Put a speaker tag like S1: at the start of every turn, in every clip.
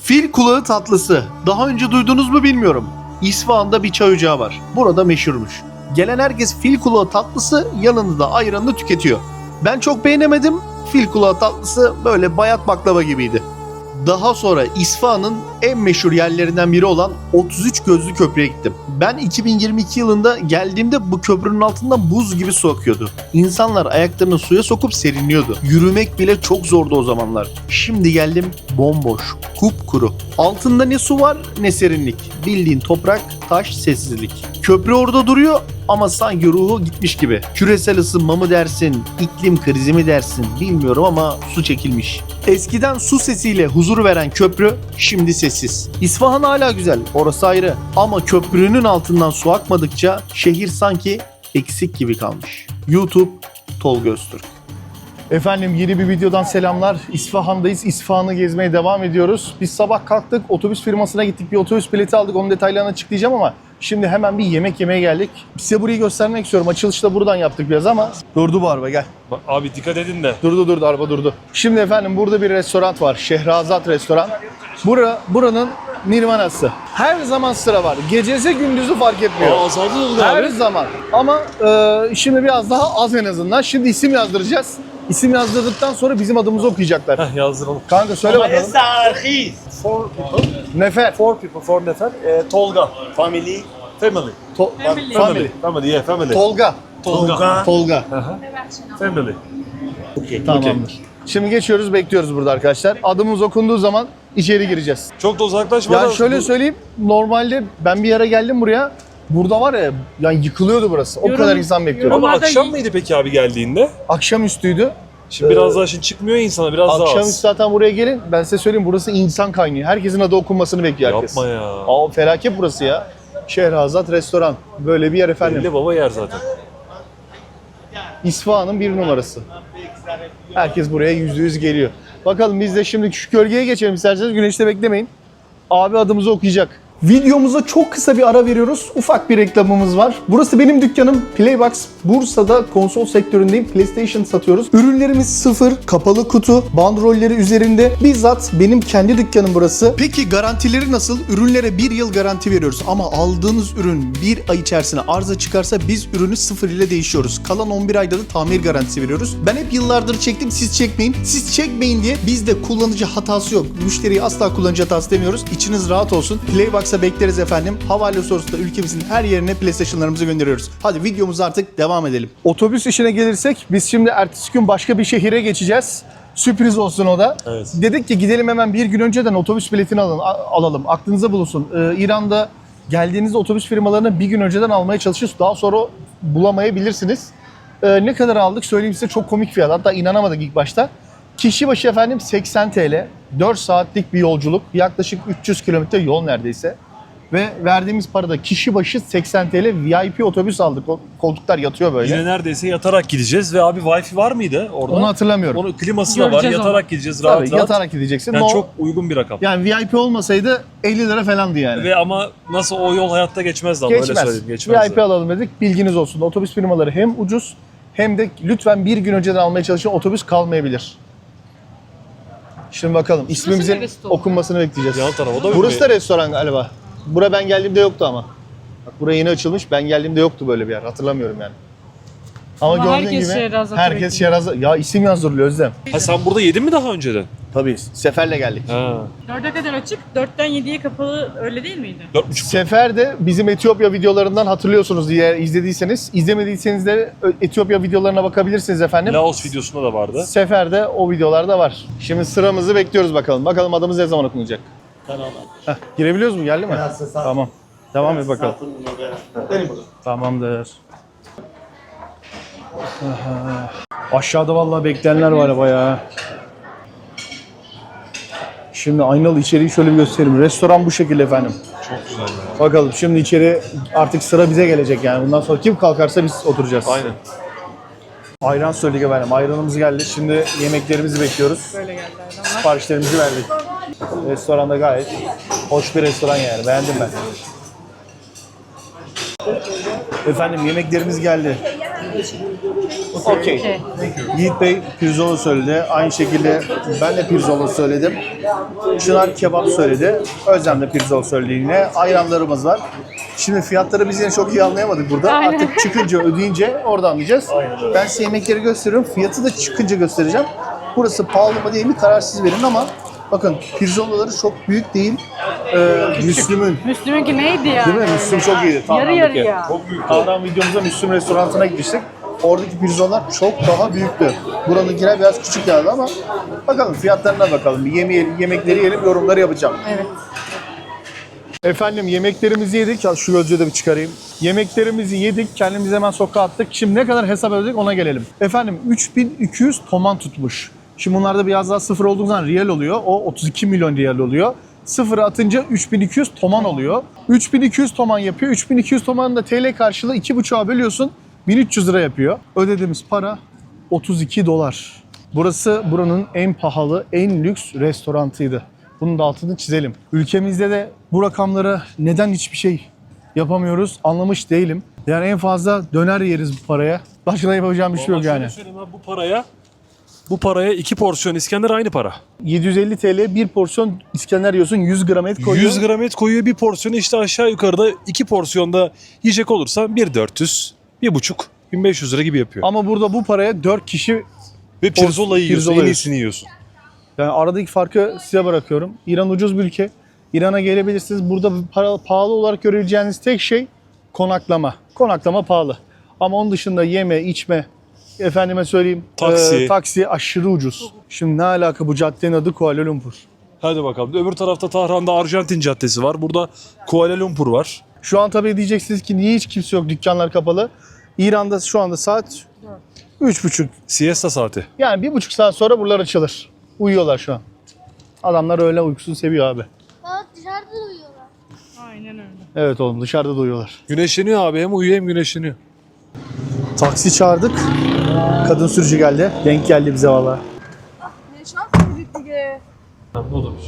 S1: Fil kulağı tatlısı. Daha önce duydunuz mu bilmiyorum. İsfahan'da bir çay ocağı var. Burada meşhurmuş. Gelen herkes fil kulağı tatlısı, yanında da ayranını tüketiyor. Ben çok beğenemedim. Fil kulağı tatlısı böyle bayat baklava gibiydi. Daha sonra İsfahan'ın en meşhur yerlerinden biri olan 33 Gözlü Köprü'ye gittim. Ben 2022 yılında geldiğimde bu köprünün altından buz gibi su akıyordu. İnsanlar ayaklarını suya sokup serinliyordu. Yürümek bile çok zordu o zamanlar. Şimdi geldim, bomboş, kupkuru. Altında ne su var ne serinlik. Bildiğin toprak, taş, sessizlik. Köprü orada duruyor ama sanki ruhu gitmiş gibi. Küresel ısınma mı dersin, iklim krizi mi dersin bilmiyorum ama su çekilmiş. Eskiden su sesiyle huzur veren köprü şimdi sessiz. İsfahan hala güzel, orası ayrı. Ama köprünün altından su akmadıkça şehir sanki eksik gibi kalmış. YouTube Tolga Öztürk. Efendim yeni bir videodan selamlar. İsfahan'dayız. İsfahan'ı gezmeye devam ediyoruz. Biz sabah kalktık, otobüs firmasına gittik. Bir otobüs bileti aldık. Onun detaylarını açıklayacağım ama şimdi hemen bir yemek yemeye geldik. Size burayı göstermek istiyorum. Açılışı da buradan yaptık biraz ama durdu bu araba, gel.
S2: Abi dikkat edin de.
S1: Durdu araba durdu. Şimdi efendim burada bir restoran var. Şehrazat Restoran. Buranın Nirvanası. Her zaman sıra var. Gecesi gündüzü fark etmiyor.
S2: Azaldı oldu
S1: Her
S2: abi.
S1: zaman. Ama şimdi biraz daha az en azından. Şimdi isim yazdıracağız. İsim yazdırdıktan sonra bizim adımızı okuyacaklar.
S2: Heh, yazdıralım.
S1: Kanka söyle bakalım.
S3: Four people.
S1: Nefer.
S3: Four people. Four nefer. Tolga. Family.
S2: Family. Family, yeah, family.
S1: Tolga. Tolga.
S2: Family.
S1: Tamamdır. Şimdi geçiyoruz, bekliyoruz burada arkadaşlar. Adımız okunduğu zaman içeri gireceğiz.
S2: Çok da uzaklaşmadan.
S1: Yani şöyle söyleyeyim, normalde ben bir yere geldim buraya. Burada var ya, yani yıkılıyordu burası. O kadar insan bekliyordu.
S2: Ama
S4: Yorumlarda
S2: akşam mıydı peki abi geldiğinde?
S1: Akşamüstüydü.
S2: Şimdi biraz daha şimdi çıkmıyor ya insana, biraz daha
S1: Akşamüstü
S2: az.
S1: zaten buraya gelin. Ben size söyleyeyim, burası insan kaynıyor. Herkesin adı okunmasını bekliyor herkes.
S2: Yapma ya.
S1: Aa, felaket burası ya. Şehrazat Restoran. Böyle bir yer efendim.
S2: Belli baba yer zaten.
S1: İsfahan'ın bir numarası. Herkes buraya %100 geliyor. Bakalım biz de şimdi şu gölgeye geçelim isterseniz. Güneşte beklemeyin. Abi adımızı okuyacak. Videomuza çok kısa bir ara veriyoruz. Ufak bir reklamımız var. Burası benim dükkanım Playbox. Bursa'da konsol sektöründeyim. PlayStation satıyoruz. Ürünlerimiz sıfır, kapalı kutu, bandrolleri üzerinde. Bizzat benim kendi dükkanım burası. Peki garantileri nasıl? Ürünlere 1 yıl garanti veriyoruz. Ama aldığınız ürün 1 ay içerisinde arıza çıkarsa biz ürünü sıfır ile değişiyoruz. Kalan 11 ayda da tamir garantisi veriyoruz. Ben hep yıllardır çektim, siz çekmeyin. Siz çekmeyin diye bizde kullanıcı hatası yok. Müşteriye asla kullanıcı hatası demiyoruz. İçiniz rahat olsun. Playbox bekleriz efendim. Havale sorusunda ülkemizin her yerine PlayStation'larımızı gönderiyoruz. Hadi videomuza artık devam edelim. Otobüs işine gelirsek biz şimdi ertesi gün başka bir şehire geçeceğiz. Sürpriz olsun o da.
S2: Evet.
S1: Dedik ki gidelim hemen bir gün önceden otobüs biletini alalım. Aklınıza bulunsun. İran'da geldiğinizde otobüs firmalarını bir gün önceden almaya çalışıyoruz. Daha sonra bulamayabilirsiniz. Ne kadar aldık söyleyeyim size, çok komik fiyat. Hatta inanamadık ilk başta. Kişi başı efendim 80 TL. 4 saatlik bir yolculuk. Yaklaşık 300 kilometre yol neredeyse. Ve verdiğimiz parada kişi başı 80 TL VIP otobüs aldık. O koltuklar yatıyor böyle.
S2: Yine neredeyse yatarak gideceğiz ve abi Wi-Fi var mıydı orada?
S1: Onu hatırlamıyorum.
S2: Onun kliması da var.
S4: Göreceğiz
S2: Yatarak
S4: onu.
S2: gideceğiz rahat
S1: Tabii,
S2: rahat.
S1: yatarak gideceksin.
S2: Yani çok uygun bir rakam.
S1: Yani VIP olmasaydı 50 lira falandı yani.
S2: Ve ama nasıl o yol hayatta geçmezdi ama öyle
S1: Geçmez.
S2: söyleyeyim. Geçmezdi.
S1: VIP alalım dedik. Bilginiz olsun. Otobüs firmaları hem ucuz hem de lütfen bir gün önceden almaya çalışın. Otobüs kalmayabilir. Şimdi bakalım. İsmimizin
S4: neresi oldu?
S1: okunmasını bekleyeceğiz.
S2: Yan taraf o da
S1: Burası da restoran galiba. Bura ben geldiğimde yoktu ama. Bak buraya yeni açılmış. Ben geldiğimde yoktu böyle bir yer. Hatırlamıyorum yani. Ama
S4: Ama
S1: gördüğün
S4: herkes
S1: gibi
S4: Şehrazat'ı
S1: herkes
S4: bekliyor.
S1: Şehrazat. Ya isim yazdırılıyor Özlem.
S2: Ha sen burada yedin mi daha önceden?
S1: Tabii. Seferle geldik.
S2: Ha.
S4: 4'e kadar açık, 4'ten 7'ye kapalı, öyle değil miydi?
S2: 4,5.
S1: Sefer de bizim Etiyopya videolarından hatırlıyorsunuz diye izlediyseniz. İzlemediyseniz de Etiyopya videolarına bakabilirsiniz efendim.
S2: Laos videosunda da vardı.
S1: Seferde o videolarda var. Şimdi sıramızı bekliyoruz bakalım. Bakalım adımız ne zaman okunacak. Heh, girebiliyoruz mu? Geldi mi? Tamam. Devam et bakalım. Tamamdır. Aha. Aşağıda vallahi bekleyenler var bayağı. Şimdi aynalı içeriği şöyle bir göstereyim. Restoran bu şekilde efendim.
S2: Çok güzel ya.
S1: Bakalım şimdi içeri artık sıra bize gelecek yani. Bundan sonra kim kalkarsa biz oturacağız.
S2: Aynen.
S1: Ayran söyledik efendim. Ayranımız geldi. Şimdi yemeklerimizi bekliyoruz.
S4: Böyle geldi adamlar.
S1: Siparişlerimizi verdik. Restoranda gayet hoş bir restoran yani. Beğendim ben. Efendim yemeklerimiz geldi. Okey.
S4: Okey.
S1: Yiğit Bey pirzola söyledi. Aynı şekilde ben de pirzola söyledim. Çınar kebap söyledi. Özlem de pirzola söyledi yine. Ayranlarımız var. Şimdi fiyatları biz yine çok iyi anlayamadık burada.
S4: Aynen.
S1: Artık çıkınca ödeyince orada anlayacağız. Ben size yemekleri gösteriyorum. Fiyatı da çıkınca göstereceğim. Burası pahalı mı değil mi kararsız verin ama bakın pirzolaları çok büyük değil. Müslüm'ün.
S4: Müslüm'ünki neydi ya?
S1: Değil mi? Müslüm çok iyiydi.
S4: Yarı
S1: Tahran'daki.
S4: yarıya.
S1: Tahran videomuzda Müslüm restoranına gitmiştik. Oradaki pirzolalar çok daha büyüktü. Buranınkiler biraz küçük geldi ama bakalım fiyatlarına bakalım. Bir yemeği, yemekleri yiyelim, yorumları yapacağım.
S4: Evet.
S1: Efendim yemeklerimizi yedik. Ya şu gözlüğü de bir çıkarayım. Yemeklerimizi yedik. Kendimizi hemen sokağa attık. Şimdi ne kadar hesap ödedik ona gelelim. Efendim 3200 toman tutmuş. Şimdi bunlarda biraz daha sıfır olduğu zaman riyal oluyor. O 32 milyon riyal oluyor. Sıfırı atınca 3200 toman oluyor. 3200 toman yapıyor. 3200 tomanın da TL karşılığı 2,5'a bölüyorsun. 1300 lira yapıyor. Ödediğimiz para 32 dolar. Burası buranın en pahalı, en lüks restorantıydı. Bunun da altını çizelim. Ülkemizde de bu rakamlara neden hiçbir şey yapamıyoruz anlamış değilim. Yani en fazla döner yeriz bu paraya. Başka da yapacağım bir şey yok yani.
S2: Bu paraya 2 porsiyon İskender aynı para.
S1: 750 TL bir porsiyon İskender yiyorsun, 100 gram et koyuyor.
S2: 100 gram et koyuyor bir porsiyonu, işte aşağı yukarıda 2 porsiyonda yiyecek olursa 1400, 1,5, 1500 lira gibi yapıyor.
S1: Ama burada bu paraya 4 kişi,
S2: Ve pirzola yiyorsun,
S1: pirzola
S2: en
S1: yiyorsun.
S2: iyisini yiyorsun.
S1: yani aradaki farkı size bırakıyorum. İran ucuz bir ülke. İran'a gelebilirsiniz. Burada pahalı olarak görebileceğiniz tek şey konaklama. Konaklama pahalı. Ama onun dışında yeme, içme, efendime söyleyeyim taksi aşırı ucuz. Şimdi ne alaka bu caddenin adı Kuala Lumpur.
S2: Hadi bakalım. Öbür tarafta Tahran'da Arjantin Caddesi var. Burada Kuala Lumpur var.
S1: Şu an tabii diyeceksiniz ki niye hiç kimse yok, dükkanlar kapalı. İran'da şu anda saat 3.30.
S2: Siesta saati.
S1: Yani 1,5 saat sonra buralar açılır. Uyuyorlar şu an. Adamlar öyle uykusunu seviyor abi.
S5: Bak dışarıda da uyuyorlar.
S4: Aynen öyle.
S1: Evet oğlum dışarıda da uyuyorlar.
S2: Güneşleniyor abi. Hem uyuyor hem güneşleniyor.
S1: Taksi çağırdık. Kadın sürücü geldi. Denk geldi bize valla.
S5: Ne şans büyük diye.
S2: Ne olmuş?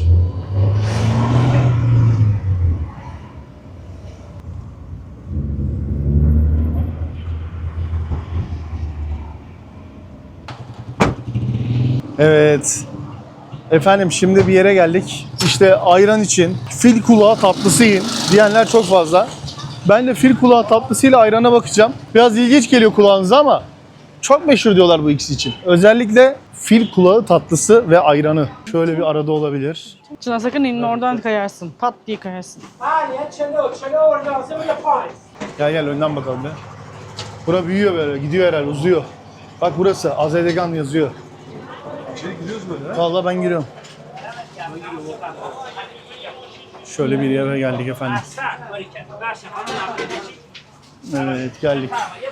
S1: Evet. Efendim şimdi bir yere geldik. İşte ayran için fil kulağı tatlısı yiyin diyenler çok fazla. Ben de fil kulağı tatlısıyla ayrana bakacağım. Biraz ilginç geliyor kulağınıza ama çok meşhur diyorlar bu ikisi için. Özellikle fil kulağı tatlısı ve ayranı. Şöyle bir arada olabilir.
S4: Çınar sakın inme oradan kayarsın. Pat diye kayarsın.
S1: Gel gel önden bakalım be. Bura büyüyor böyle, gidiyor herhalde, uzuyor. Bak burası, Azedegan yazıyor.
S2: İçeri giriyoruz böyle.
S1: Vallahi ben giriyorum. Şöyle bir yere geldik efendim. Evet geldik.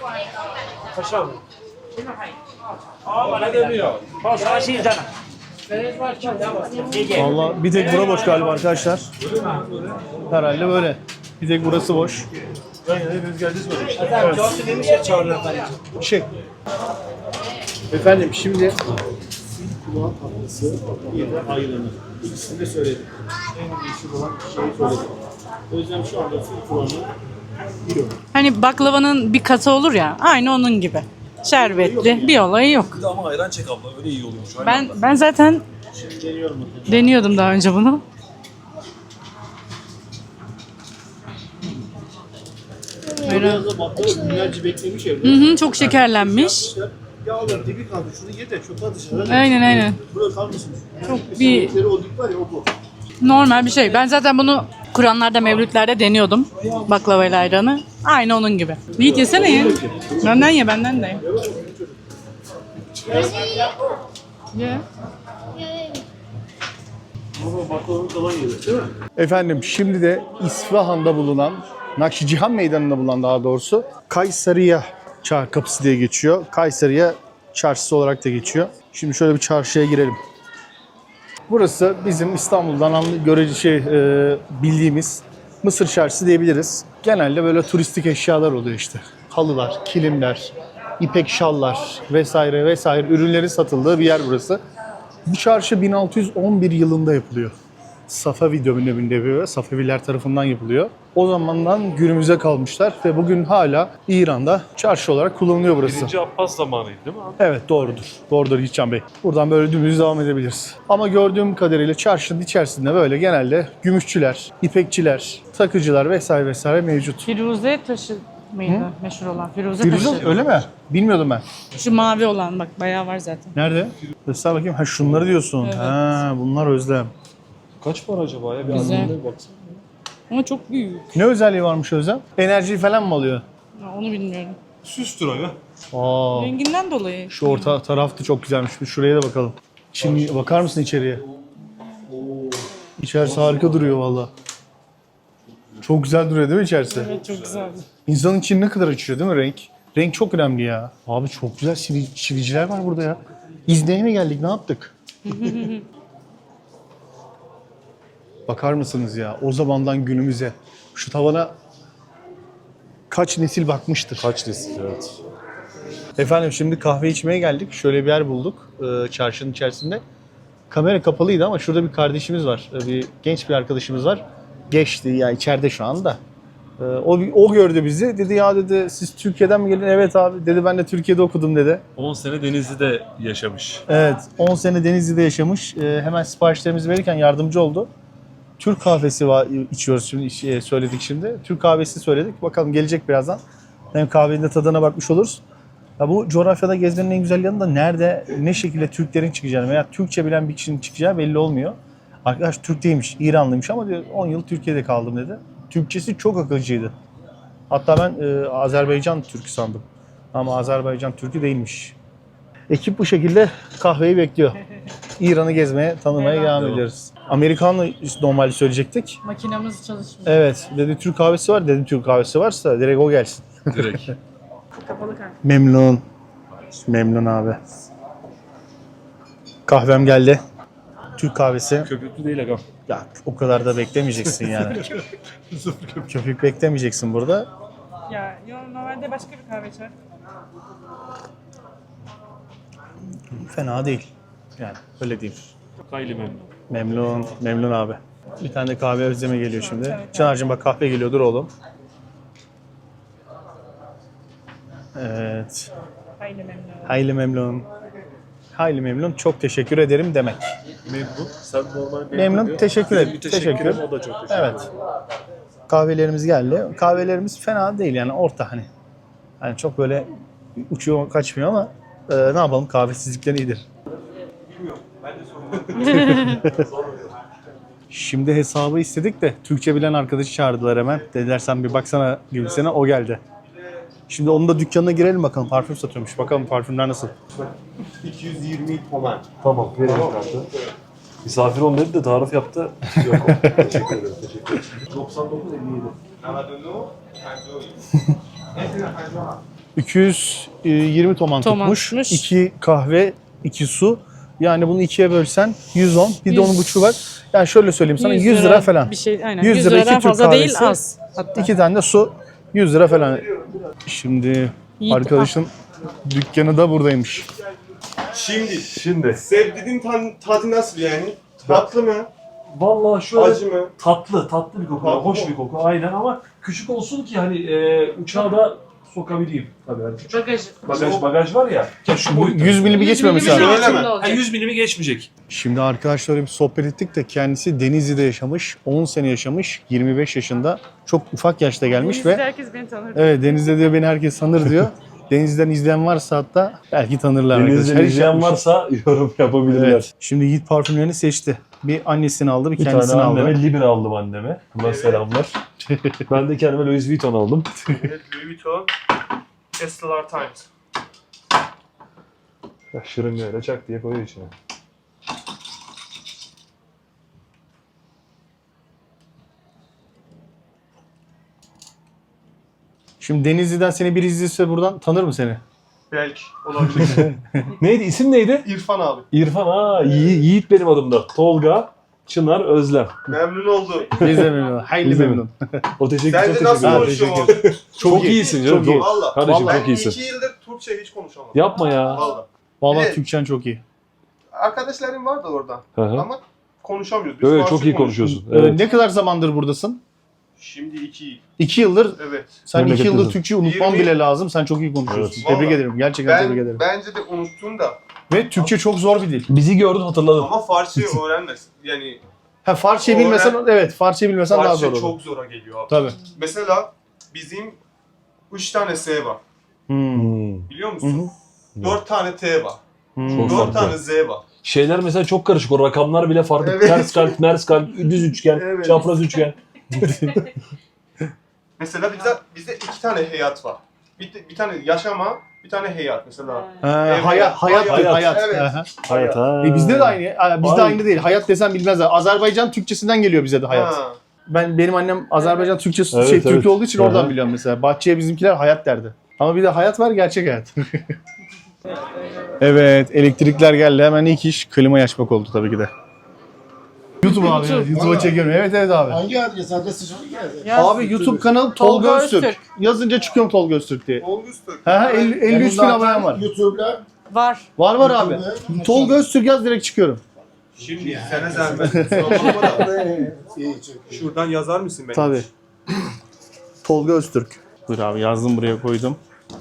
S1: Vallahi bir tek bura boş galiba arkadaşlar. Herhalde böyle. Bir tek burası boş.
S2: Hepimiz geleceğiz böyle işte.
S1: Evet. Şey. Efendim şimdi kulağı tatlısı bir de ayranı. İkisini de söyledim. En meşhur olan şeyi söyledim. O yüzden şu anda fil kulağını yiyorum.
S4: Hani baklavanın bir katı olur ya. Aynı onun gibi. Şerbetli. Bir olayı yok.
S2: Bir de ama ayran çek abla. Öyle iyi oluyormuş.
S4: Ben zaten
S1: Şimdi deniyorum.
S4: deniyordum daha önce bunu.
S1: Biraz da baklava günlerce beklemiş evde.
S4: Hı hı, çok şekerlenmiş.
S1: Yağlar dibi kaldı. Şunu ye de çöpe atışlar.
S4: Aynen.
S1: Burada kalmasın.
S4: Çok bir
S1: O dip var ya o bu.
S4: normal bir şey. Ben zaten bunu Kur'anlarda, mevlütlerde deniyordum. Baklavayla ayranı. Aynı onun gibi. Yiğit yesene ya. Benden ye, benden de ye. Ye.
S1: Efendim şimdi de İsfahan'da bulunan, Nakşicihan Meydanı'nda bulunan daha doğrusu Kayseriye kapısı diye geçiyor. Kayseriye çarşısı olarak da geçiyor. Şimdi şöyle bir çarşıya girelim. Burası bizim İstanbul'dan bildiğimiz Mısır çarşısı diyebiliriz. Genelde böyle turistik eşyalar oluyor işte. Halılar, kilimler, ipek şallar vesaire vesaire ürünlerin satıldığı bir yer burası. Bu çarşı 1611 yılında yapılıyor. Safavi döneminde yapıyor. Safeviler tarafından yapılıyor. O zamandan günümüze kalmışlar ve bugün hala İran'da çarşı olarak kullanılıyor burası.
S2: 1. Abbas zamanıydı değil mi abi?
S1: Evet doğrudur. Doğrudur Yiğitcan Bey. Buradan böyle dümdüz devam edebiliriz. Ama gördüğüm kadarıyla çarşının içerisinde böyle genelde gümüşçüler, ipekçiler, takıcılar vesaire vesaire mevcut.
S4: Firuze taşı mıydı meşhur olan? Firuze,
S1: Firuze
S4: taşı.
S1: öyle mi? Bilmiyordum ben.
S4: Şu mavi olan bak bayağı var zaten.
S1: Nerede? Göster bakayım. Ha şunları diyorsun.
S4: Evet.
S1: Ha bunlar özlem.
S2: Kaç para acaba ya? Bir
S4: Güzel.
S2: anlamına baksana.
S4: Ama çok büyük.
S1: Ne özelliği varmış özlem? Enerji falan mı alıyor?
S4: Ya, onu bilmiyorum.
S2: Süstür aga.
S1: Aa.
S4: Renginden dolayı.
S1: Şu orta taraf da çok güzelmiş. Bir şuraya da bakalım. Şimdi bakar mısın içeriye? İçerisi harika duruyor valla. Çok güzel duruyor değil mi içerisi?
S4: Evet çok güzel.
S1: İnsanın içini ne kadar açıyor değil mi renk? Renk çok önemli ya. Abi çok güzel çiviciler var burada ya. İzleye mi geldik? Ne yaptık? Bakar mısınız ya? O zamandan günümüze. Şu tavana kaç nesil bakmıştır?
S2: Kaç nesil evet.
S1: Efendim şimdi kahve içmeye geldik. Şöyle bir yer bulduk çarşının içerisinde. Kamera kapalıydı ama şurada bir kardeşimiz var. Bir genç bir arkadaşımız var. Geçti ya içeride şu anda. O gördü bizi. Dedi ya dedi siz Türkiye'den mi gelin? Evet abi. Dedi ben de Türkiye'de okudum dedi.
S2: 10 sene Denizli'de yaşamış.
S1: Evet 10 sene Denizli'de yaşamış. Hemen siparişlerimizi verirken yardımcı oldu. Türk kahvesi içiyoruz şimdi söyledik şimdi. Türk kahvesi söyledik. Bakalım gelecek birazdan. Hem kahvenin de tadına bakmış oluruz. Ya bu coğrafyada gezmenin en güzel yanı da nerede, ne şekilde Türklerin çıkacağını veya Türkçe bilen bir kişinin çıkacağı belli olmuyor. Arkadaş Türk değilmiş, İranlıymış ama diyor 10 yıl Türkiye'de kaldım dedi. Türkçesi çok akıcıydı. Hatta ben Azerbaycan Türkü sandım. Ama Azerbaycan Türkü değilmiş. Ekip bu şekilde kahveyi bekliyor. İran'ı gezmeye, tanımaya devam ediyoruz. Amerikanlı normalde söyleyecektik.
S4: Makinamız çalışmıyor.
S1: Evet, dedi Türk kahvesi var. Dedim Türk kahvesi varsa direkt o gelsin.
S2: Direkt.
S4: Kapalı kahve.
S1: Memnun. Memnun abi. Kahvem geldi. Türk kahvesi.
S2: Köpüklü değil aga.
S1: Ya o kadar da beklemeyeceksin yani. Köpük beklemeyeceksin burada.
S4: Ya normalde başka bir kahve içer.
S1: Fena değil. Yani öyle diyeyim.
S2: Hayli memnun.
S1: Memnun. Memnun abi. Bir tane de kahve özleme geliyor şimdi. Çınar'cığım bak kahve geliyor. Dur oğlum. Evet.
S4: Hayli memnun.
S1: Hayli memnun. Hayli memnun. Çok teşekkür ederim demek.
S2: Memnun. Sen normal
S1: Memnun. Teşekkür ederim. Teşekkür.
S2: O da çok teşekkür.
S1: Evet. Kahvelerimiz geldi. Kahvelerimiz fena değil yani orta hani. Hani çok böyle uçuyor kaçmıyor ama ne yapalım kahvesizlikten iyidir. Şimdi hesabı istedik de Türkçe bilen arkadaşı çağırdılar hemen. Dediler sen bir baksana gibisine o geldi. Şimdi onun da dükkanına girelim bakalım. Parfüm satıyormuş. Bakalım parfümler nasıl?
S3: 220 toman.
S2: Tamam. Verin kartı. Misafir ol dedi de tarif yaptı. Yok. Teşekkür ederim. Teşekkür ederim.
S1: 220 toman tutmuş.
S4: Tutmuş.
S1: 2 kahve, 2 su. Yani bunu ikiye bölsen 110. Bir de
S4: 100.
S1: onun buçuğu var. Yani şöyle söyleyeyim sana 100 lira falan.
S4: Bir şey aynen.
S1: 100
S4: 100
S1: lira iki
S4: liradan
S1: Türk
S4: fazla değil
S1: kahvesi.
S4: az. Hatta.
S1: 2 tane de su 100 lira falan. Şimdi
S4: Yiğit,
S1: arkadaşın dükkanı da buradaymış.
S2: Şimdi.
S3: Sevdiğin tadı nasıl yani? Tatlı mı?
S2: Vallahi şöyle
S3: Acı mı?
S2: tatlı bir koku.
S3: Tatlı
S2: Hoş
S3: mı?
S2: bir koku aynen ama küçük olsun ki hani uçağa da sokabileyim. Tabii hani küçük. Bagaj var ya. Ya şu boyutta.
S1: 100 milimi geçmemesi lazım.
S3: Öyle mi?
S2: Ha, 100 milimi geçmeyecek.
S1: Şimdi arkadaşlarla bir sohbet ettik de kendisi Denizli'de yaşamış, 10 sene yaşamış, 25 yaşında. Çok ufak yaşta gelmiş ve
S4: herkes beni tanır.
S1: evet Denizli'de diyor beni herkes tanır diyor. Denizli'den izleyen varsa hatta belki tanırlar.
S2: Denizden
S1: arkadaşlar. Hiç
S2: izleyen
S1: yapmış-
S2: varsa yorum yapabilirler.
S1: Evet. Şimdi Yiğit parfümlerini seçti. Bir annesini aldı, bir
S2: Bir
S1: kendisini
S2: tane
S1: aldı.
S2: anneme Libre aldım anneme. Buna selamlar. Ben de kendime Louis Vuitton aldım.
S3: Louis Vuitton. Estelar Times.
S2: Ya şırıngayla çak diye koyuyor içine.
S1: Şimdi Denizli'den seni biri izliyorsa buradan tanır mı seni?
S3: Belki olabilir.
S2: Neydi? İsim neydi?
S3: İrfan abi.
S2: İrfan. Yiğit benim adımda. Tolga, Çınar, Özlem.
S3: Memnun oldum.
S1: Biz de memnun. Hayli
S2: Biz de
S1: memnun.
S2: O teşekkür
S3: Sen
S2: çok
S3: de nasıl
S2: teşekkür ederim.
S3: konuşuyorsun?
S2: Çok iyisin canım.
S1: Çok iyi.
S3: Valla.
S2: Kardeşim
S1: Vallahi
S2: çok
S3: Ben
S2: iyisin.
S3: 2 yıldır Türkçe hiç konuşamadım.
S2: Yapma ya.
S3: Valla.
S1: Vallahi
S3: Evet.
S1: Türkçen çok iyi.
S3: Arkadaşlarım vardı orada.
S2: Hı hı.
S3: Ama konuşamıyoruz. Biz
S2: Evet
S3: Farsça
S2: çok iyi
S3: konuşuyoruz.
S2: konuşuyorsun. Evet.
S1: Ne kadar zamandır buradasın?
S3: Şimdi 2.
S1: 2 yıldır.
S3: Evet.
S1: Sen 2
S2: Memleketlisin.
S1: yıldır Türkçe unutman
S3: 20
S1: bile lazım. Sen çok iyi konuşuyorsun.
S3: Evet.
S1: Tebrik
S3: Vallahi.
S1: ederim. Gerçekten tebrik ederim.
S3: Bence de unuttun da.
S1: Ve Türkçe çok zor bir dil.
S2: Bizi gördün hatırladın.
S3: Ama Farsça öğrenmez. Yani
S1: Ha Farsçayı bilmesen, evet Farsçayı bilmesen daha zor
S3: Farsça
S1: olur.
S3: çok zora geliyor abi.
S1: Tabii.
S3: Mesela bizim 3 tane S var. Biliyor musun? 4 tane T var.
S2: Çok
S3: 4
S2: farklı.
S3: tane Z var.
S2: Şeyler mesela çok karışık. O rakamlar bile farklı.
S3: Evet.
S2: Ters kalp, mers kalp, düz üçgen,
S3: Evet.
S2: çapraz üçgen.
S3: Mesela bizde 2 tane hayat var. Bir tane yaşama, bir tane hayat mesela.
S1: Hayat,
S3: Hayat.
S1: hayat.
S3: Evet.
S1: Aha.
S2: Hayat ha.
S1: Bizde de aynı. Bizde
S2: Aynen.
S1: aynı değil. Hayat desen bilmezler. Azerbaycan Türkçesinden geliyor bize de hayat.
S3: Ha.
S1: Benim annem Azerbaycan Türkçesi
S2: Evet,
S1: Türk
S2: evet.
S1: olduğu için
S2: Aha.
S1: oradan biliyorum mesela. Bahçeye bizimkiler hayat derdi. Ama bir de hayat var, gerçek hayat. Evet, elektrikler geldi. Hemen ilk iş klimayı açmak oldu tabii ki de. YouTube abi. YouTube'a çekiyorum. Evet abi.
S6: Hangi adres? Adresi şöyle geldi.
S1: Abi YouTube kanalı Tolga
S4: Tolga
S1: Öztürk.
S4: Öztürk.
S1: Yazınca çıkıyorum Tolga Öztürk diye.
S3: Olmuştur.
S1: 53 bin abonem var.
S6: YouTube'la.
S4: Var.
S1: Var abi. Tolga Öztürk yaz direkt çıkıyorum.
S3: Şimdi sana zahmet. Sorma da.
S6: İyi çok.
S3: Şuradan yazar mısın beni?
S1: Tabii. Tolga Öztürk. Buyur abi yazdım buraya koydum.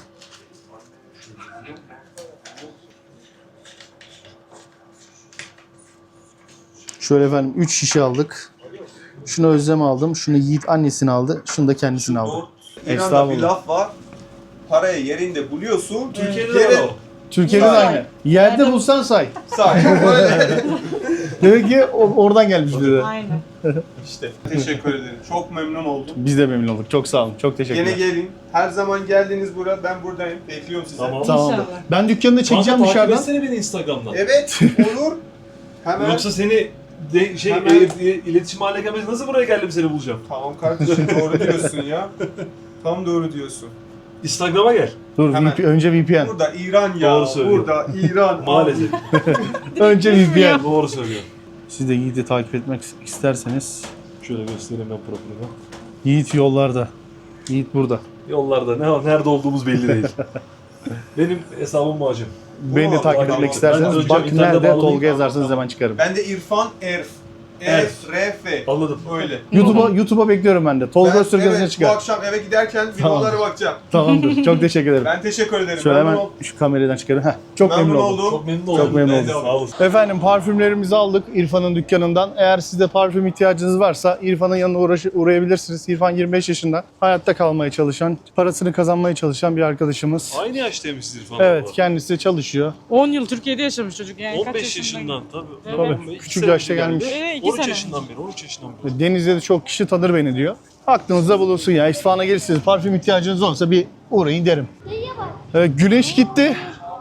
S1: Şöyle efendim 3 şişe aldık. Şunu Özlem aldım. Şunu Yiğit annesini aldı. Şunu da kendisini aldı.
S3: İran'da
S1: Estağfurullah.
S3: bir laf var. Parayı yerinde buluyorsun.
S2: Türkiye'de
S3: Yere-
S2: de var o.
S1: Türkiye'de de aynı. Yerde bulsan say.
S3: Say. Böyle.
S1: Demek ki oradan gelmiş bize.
S4: Aynen.
S3: İşte. Teşekkür ederim. Çok memnun oldum.
S1: Biz de memnun olduk. Çok sağ olun. Çok teşekkürler.
S3: Gene gelin. Her zaman geldiniz buraya. Ben buradayım. Bekliyorum sizi.
S2: Tamam.
S1: Tamamdır.
S4: İnşallah.
S1: Ben dükkanı da çekeceğim
S2: Kanka,
S1: dışarıdan.
S2: takip etsene beni Instagram'dan.
S3: Evet. Olur. Hemen.
S2: Yoksa seni
S3: Hemen.
S2: iletişim haline gelmez. Nasıl buraya geldim seni bulacağım?
S3: Tamam kardeşim doğru diyorsun ya. Tam doğru diyorsun.
S2: Instagram'a gel.
S1: Dur
S3: Hemen.
S1: önce VPN.
S3: Burada İran ya.
S2: Doğru söylüyor.
S3: Burada İran.
S2: Maalesef.
S1: Önce VPN.
S2: Doğru söylüyor.
S1: Siz de Yiğit'i takip etmek isterseniz
S2: Şöyle göstereyim ben profilimi.
S1: Yiğit yollarda. Yiğit burada.
S2: Yollarda nerede olduğumuz belli değil. Benim hesabım bu hacım.
S1: Beni de
S3: Aa,
S1: takip
S3: tamam.
S1: etmek
S2: Ben
S1: isterseniz
S2: önce
S1: bak
S2: internete
S1: nerede
S2: bağlanayım.
S1: Tolga yazarsanız hemen çıkarım.
S3: Ben de İrfan Erf. Erf, R-F.
S2: Anladım.
S3: Öyle.
S1: YouTube'a bekliyorum ben de. Tolga Öztürk yazınca
S3: evet, bu
S1: çıkar.
S3: akşam eve giderken
S1: Tamam.
S3: videolara bakacağım.
S1: Tamamdır. Çok teşekkür ederim.
S3: Ben teşekkür ederim.
S1: Şöyle
S3: Memnun
S1: hemen
S3: oldum.
S1: şu kameradan çıkarım. Heh, çok memnun oldum.
S2: Çok memnun oldum.
S1: Çok memnun
S2: Ben de
S1: oldum.
S2: Sağ olasın.
S1: Efendim parfümlerimizi aldık İrfan'ın dükkanından. Eğer sizde parfüm ihtiyacınız varsa İrfan'ın yanına uğrayabilirsiniz. İrfan 25 yaşında. Hayatta kalmaya çalışan, parasını kazanmaya çalışan bir arkadaşımız.
S2: Aynı yaştaymışız İrfan.
S1: Evet, kendisi çalışıyor.
S4: 10 yıl Türkiye'de yaşamış çocuk yani. Kaç
S2: 15
S4: yaşından?
S2: yaşından tabii.
S4: Evet.
S1: Tabii,
S2: İki
S1: küçük
S2: sene
S1: yaşta
S2: önce
S1: gelmiş.
S2: geldi.
S4: 2
S2: 13
S4: sene.
S2: yaşından beri, 13 yaşından beri.
S1: Denizde de çok kişi tanır beni diyor. Aklınızda bulunsun ya. İsfahan'a gelirsiniz, parfüm ihtiyacınız olsa bir uğrayın derim. Evet, güneş gitti.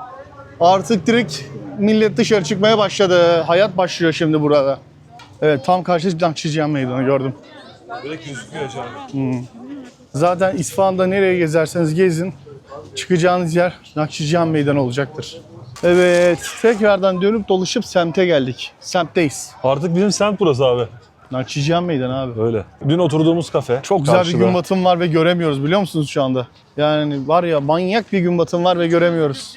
S1: Artık direkt millet dışarı çıkmaya başladı. Hayat başlıyor şimdi burada. Evet, tam karşı Nakşicihan Meydanı gördüm.
S2: Direkt gözüküyor acaba.
S1: Zaten İsfahan'da nereye gezerseniz gezin, çıkacağınız yer Nakşicihan Meydanı olacaktır. Evet, tekrardan dönüp dolaşıp semte geldik. Semtteyiz.
S2: Artık bizim semt burası abi.
S1: Nakşicihan Meydanı abi.
S2: Öyle. Dün oturduğumuz kafe.
S1: Çok güzel
S2: karşıda.
S1: bir gün batımı var ve göremiyoruz biliyor musunuz şu anda? Yani var ya manyak bir gün batımı var ve göremiyoruz.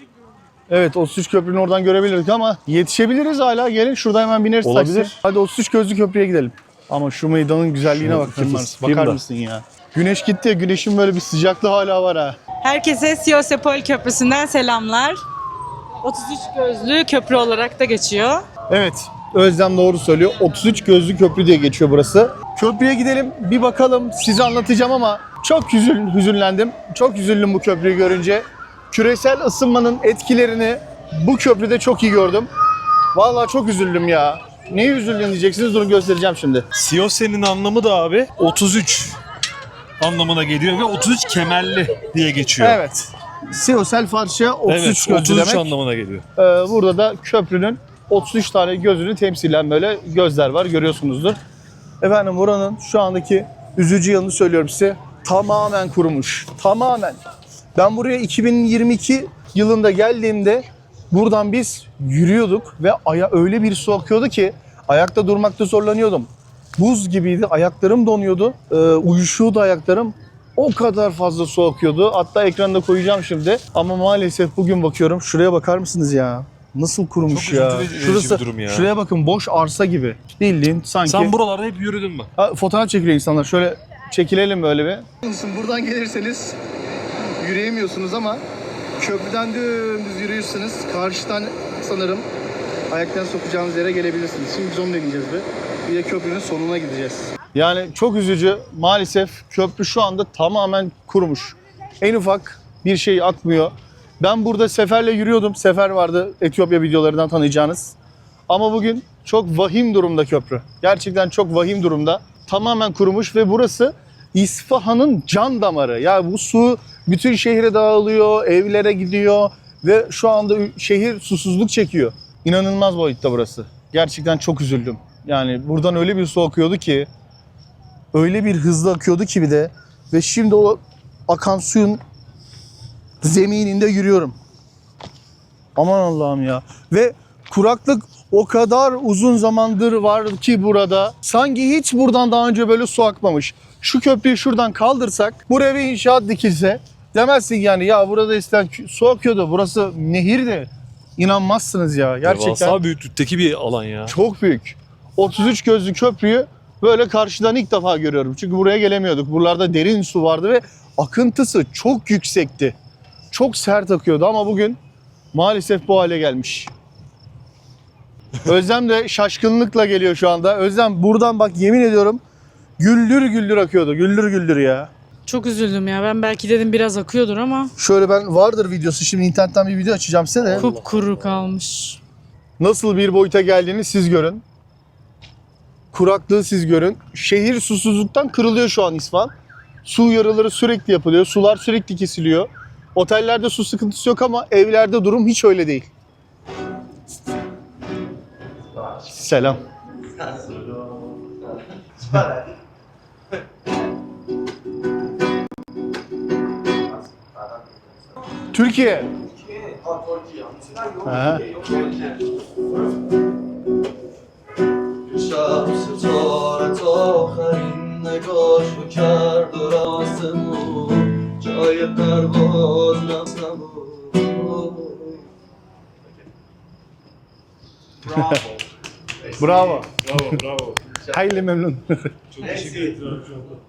S1: Evet 33 köprünün oradan görebilirdik ama yetişebiliriz hala. Gelin şurada hemen bineriz
S2: Olabilir.
S1: taksi. Hadi 33 gözlü köprüye gidelim. Ama şu meydanın güzelliğine
S2: Şunu
S1: bak
S2: tutayım
S1: bakar
S2: da.
S1: mısın ya? Güneş gitti, güneşin böyle bir sıcaklığı hala var ha.
S4: Herkese Siyosepol Köprüsü'nden selamlar. 33 gözlü köprü olarak da geçiyor.
S1: Evet, Özlem doğru söylüyor. 33 gözlü köprü diye geçiyor burası. Köprüye gidelim, bir bakalım. Size anlatacağım ama çok hüzünlendim. Çok üzüldüm bu köprüyü görünce. Küresel ısınmanın etkilerini bu köprüde çok iyi gördüm. Vallahi çok üzüldüm ya. Neye üzüldün diyeceksiniz, bunu göstereceğim şimdi.
S2: Siyose'nin anlamı da abi 33 anlamına geliyor ve 33 kemerli diye geçiyor.
S1: Evet. Siyosel Farsça 33
S2: Evet,
S1: gözlü
S2: 33
S1: demek.
S2: anlamına geliyor.
S1: Burada da köprünün 33 tane gözünü temsilen böyle gözler var, görüyorsunuzdur. Efendim buranın şu andaki üzücü yanını söylüyorum size. Tamamen kurumuş. Tamamen. Ben buraya 2022 yılında geldiğimde buradan biz yürüyorduk ve öyle bir su akıyordu ki ayakta durmakta zorlanıyordum. Buz gibiydi, ayaklarım donuyordu, uyuşuyordu ayaklarım. O kadar fazla su akıyordu. Hatta ekranda koyacağım şimdi. Ama maalesef bugün bakıyorum. Şuraya bakar mısınız ya? Nasıl kurumuş
S2: Çok
S1: ya.
S2: üzücü bir durum ya.
S1: Şuraya bakın, boş arsa gibi. Bildiğin sanki.
S2: Sen buralarda hep yürüdün mü?
S1: Fotoğraf çekiliyor insanlar. Şöyle çekilelim böyle bir. Buradan gelirseniz yürüyemiyorsunuz ama köprüden dümdüz yürüyorsunuz. Karşıdan sanırım ayaktan sokacağınız yere gelebilirsiniz. Şimdi biz onunla gideceğiz bir de köprünün sonuna gideceğiz. Yani çok üzücü. Maalesef köprü şu anda tamamen kurumuş. En ufak bir şey akmıyor. Ben burada Sefer'le yürüyordum. Sefer vardı, Etiyopya videolarından tanıyacağınız. Ama bugün çok vahim durumda köprü. Gerçekten çok vahim durumda. Tamamen kurumuş ve burası İsfahan'ın can damarı. Ya bu su bütün şehre dağılıyor, evlere gidiyor ve şu anda şehir susuzluk çekiyor. İnanılmaz boyutta burası. Gerçekten çok üzüldüm. Yani buradan öyle bir su akıyordu ki, öyle bir hızlı akıyordu ki bir de ve şimdi o akan suyun zemininde yürüyorum. Aman Allah'ım ya. Ve kuraklık o kadar uzun zamandır var ki burada. Sanki hiç buradan daha önce böyle su akmamış. Şu köprüyü şuradan kaldırsak, buraya bir inşaat dikilse demezsin yani ya burada eskiden su akıyordu. Burası nehirdi. İnanmazsınız ya. Gerçekten
S2: Devasa büyüklükteki bir alan ya.
S1: çok büyük. 33 gözlü köprüyü böyle karşıdan ilk defa görüyorum. Çünkü buraya gelemiyorduk. Buralarda derin su vardı ve akıntısı çok yüksekti. Çok sert akıyordu ama bugün maalesef bu hale gelmiş. Özlem de şaşkınlıkla geliyor şu anda. Özlem buradan bak yemin ediyorum güldür güldür akıyordu. Güldür güldür ya.
S4: Çok üzüldüm ya. Ben belki dedim biraz akıyordur ama
S1: Şöyle ben vardır videosu. Şimdi internetten bir video açacağım size de.
S4: kupkuru kalmış.
S1: Nasıl bir boyuta geldiğini siz görün. Kuraklığı siz görün. Şehir susuzluktan kırılıyor şu an İsfahan. Su uyarıları sürekli yapılıyor. Sular sürekli kesiliyor. Otellerde su sıkıntısı yok ama evlerde durum hiç öyle değil. Selam. Türkiye. Aha.
S7: شب ستارت آخرین نگاهشو کرد و آسمون جای پرواز نبود.
S1: Bravo.
S2: Bravo.
S1: Hayli memnun.
S2: Çok teşekkür ederim.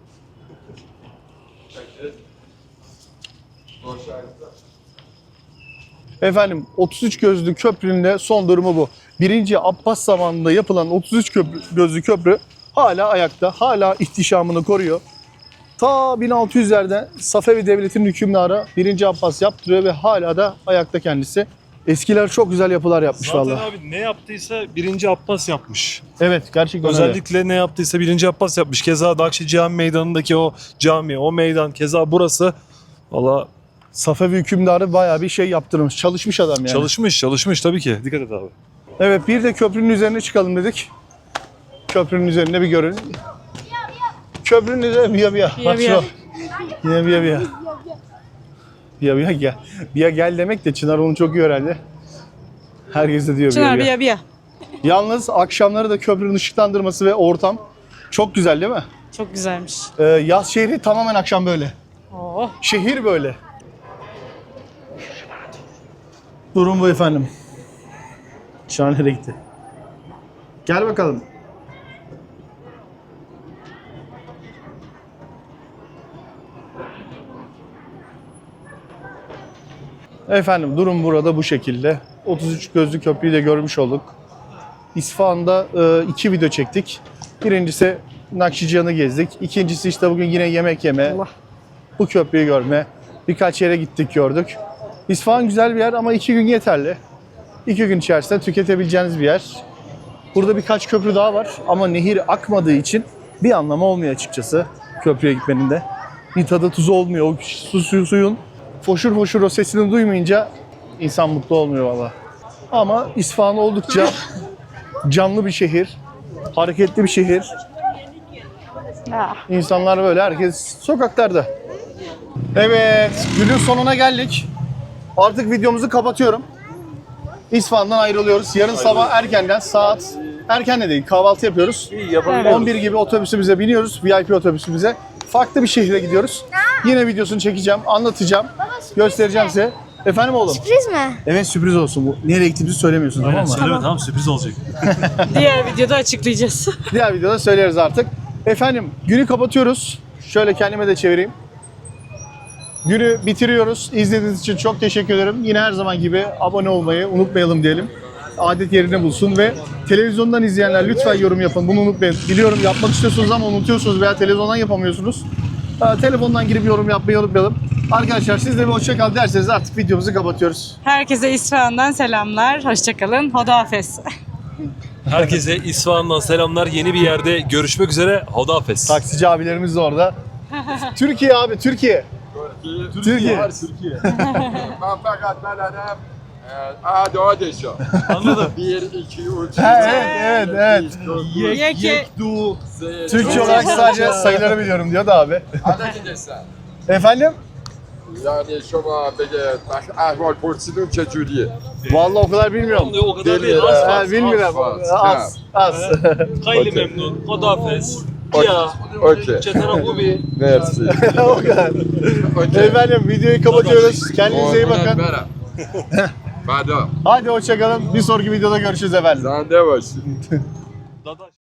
S1: Efendim 33 gözlü köprünün de son durumu bu. 1. Abbas zamanında yapılan 33 gözlü köprü hala ayakta, hala ihtişamını koruyor. Ta 1600'lerde Safevi Devleti'nin hükümdarı 1. Abbas yaptırıyor ve hala da ayakta kendisi. Eskiler çok güzel yapılar yapmış
S2: Zaten
S1: vallahi.
S2: abi ne yaptıysa 1. Abbas yapmış.
S1: Evet, gerçekten öyle.
S2: Özellikle ne yaptıysa 1. Abbas yapmış. Keza Nakşi Cami Meydanı'ndaki o cami, o meydan, keza burası. Valla
S1: Safevi hükümdarı bayağı bir şey yaptırmış. Çalışmış adam yani.
S2: çalışmış tabii ki. Dikkat et abi.
S1: Evet, bir de köprünün üzerine çıkalım dedik. Köprünün üzerinde bir görün. Köprünün üzerine biya.
S4: Biya
S1: Bak
S4: biya.
S1: şu. Yine biya. Biya gel. Biya gel demek de Çınar onu çok iyi öğrendi. Herkes de diyor
S4: Çınar
S1: biya.
S4: biya.
S1: Yalnız akşamları da köprünün ışıklandırması ve ortam çok güzel değil mi?
S4: Çok güzelmiş.
S1: Yaz şehri tamamen akşam böyle.
S4: Oh.
S1: Şehir böyle. Durum bu efendim. Çınar nereye gitti? Gel bakalım. Efendim durum burada bu şekilde. 33 gözlü köprüyü de görmüş olduk. İsfahan'da 2 video çektik. Birincisi Nakşicihan'ı gezdik. İkincisi işte bugün yine yemek yeme.
S4: Allah.
S1: Bu köprüyü görme. Birkaç yere gittik gördük. İsfahan güzel bir yer ama 2 gün yeterli. 2 gün içerisinde tüketebileceğiniz bir yer. Burada birkaç köprü daha var ama nehir akmadığı için bir anlamı olmuyor açıkçası köprüye gitmenin de. Bir tadı tuzu olmuyor. O suyun foşur foşur o sesini duymayınca insan mutlu olmuyor valla. Ama İsfahan oldukça canlı bir şehir, hareketli bir şehir. İnsanlar böyle, herkes sokaklarda. Evet, günün sonuna geldik. Artık videomuzu kapatıyorum. İsfahan'dan ayrılıyoruz. Yarın sabah erkenden saat erken de değil, kahvaltı yapıyoruz. 11 gibi otobüsümüze biniyoruz, VIP otobüsümüze. Farklı bir şehre gidiyoruz. Yine videosunu çekeceğim, anlatacağım, göstereceğim size. Efendim oğlum?
S5: Sürpriz mi?
S1: Evet sürpriz olsun bu. Nereye gittiğimizi söylemiyorsun tamam mı?
S2: Söyleme tamam sürpriz olacak.
S4: Diğer videoda açıklayacağız.
S1: Diğer videoda söyleriz artık. Efendim günü kapatıyoruz. Şöyle kendime de çevireyim. Günü bitiriyoruz. İzlediğiniz için çok teşekkür ederim. Yine her zaman gibi abone olmayı unutmayalım diyelim. Adet yerine bulsun ve televizyondan izleyenler lütfen yorum yapın. Bunu unutmayın. Biliyorum yapmak istiyorsunuz ama unutuyorsunuz veya televizyondan yapamıyorsunuz. Telefondan girip yorum yapmayı unutmayalım. Arkadaşlar siz de bir hoşça kal derseniz artık videomuzu kapatıyoruz.
S4: Herkese İsfahan'dan selamlar. Hoşçakalın. Hodafes.
S2: Herkese İsfahan'dan selamlar. Yeni bir yerde görüşmek üzere. Hodafes.
S1: Taksici abilerimiz de orada. Türkiye abi Türkiye. Türkiye.
S8: Ben fakat benim adadışım.
S2: Anladım.
S8: 1, 2, 3,
S1: Evet.
S4: Yeke.
S1: Türkçe olarak sadece sayıları biliyorum diyor da abi.
S8: adadışım.
S1: Efendim?
S8: Yani şoma bege ahval porsidun çecuriye.
S1: Vallahi o kadar bilmiyorum.
S2: O kadar değil. Az
S1: Bilmiyorum. Az.
S2: Hayli memnun. Hodafes. Ya.
S8: Okey.
S2: Çetarakubi.
S8: Merci.
S1: O kadar.
S8: Okey.
S1: Efendim videoyu kapatıyoruz. Kendinize iyi bakın.
S8: Madam,
S1: Hadi hoşçakalın. Bir sonraki videoda görüşürüz efendim.
S8: sen de başsın.